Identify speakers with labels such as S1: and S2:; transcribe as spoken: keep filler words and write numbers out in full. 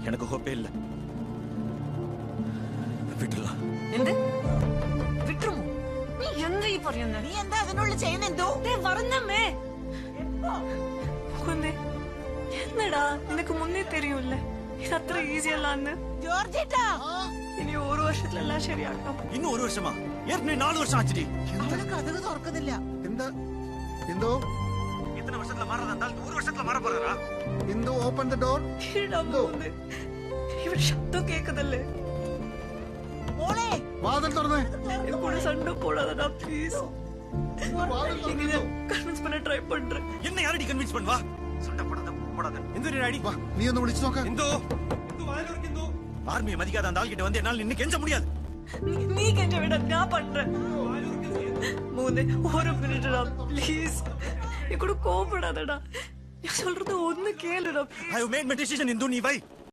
S1: எனக்கு ஹோப்பே இல்ல. വിട്ടலாம்.
S2: എന്ത് വിട്ടുമോ? നീ എന്താ ഈ പറയുന്നത്?
S3: നീ എന്താ അതിനുള്ള ചെയ്യുന്നെന്തോ?
S2: പറഞ്ഞമ്മേ എന്നടാ നിനക്ക് മുന്നേ തെരിയൂല്ല ഇത് അത്ര ഈസി അല്ലാന്ന്.
S3: ജോർജേട്ടാ
S2: ഇനി ഒരു വർഷത്തിലെല്ലാം ശരിയാക്കാം.
S1: ഇന്നും ഒരു വർഷമാ? ഏற்கனவே നാല് വർഷം ആച്ചിടി.
S3: അവള് കഥക് തുറക്കുന്നില്ല.
S4: എന്താ എന്തോ
S1: ഇത്ര വർഷത്തില മാറതാ ഒരു വർഷത്തില മാറ പോறாரா?
S4: എന്തോ ഓപ്പൺ ദ ഡോർ.
S2: ഇവിടെ ശബ്ദം കേൾക്കുന്നില്ലേ?
S3: മോളെ
S4: വാതിൽ തുറന്നേ.
S2: கூட சண்டை போடாதடா ப்ளீஸ். இங்க கன்வின்ஸ் பண்ண ட்ரை பண்றேன்.
S1: என்ன யாரடி கன்வின்ஸ் பண்ணுவா? சண்டை போடாத போடாத. எந்தோ அடி.
S4: വാ നീ ഒന്ന് വിളിച്ചു നോക്ക.
S1: എന്തോ എന്തോ വായിലോർക്ക് എന്തോ ആർമിയെ മതിക്കാതെ அந்த ആൾகிட்ட வந்து என்னால நின்னு கெஞ்ச முடியாது.
S2: நீ கெஞ்ச விட நான் பண்றேன். மூணு ஒரு மினிட்டா ப்ளீஸ். நீ கூட கோபப்படாதடா. நான் சொல்றது ஒண்ணு கேளுடா.
S1: I have made my decision. Hindu நீ வை.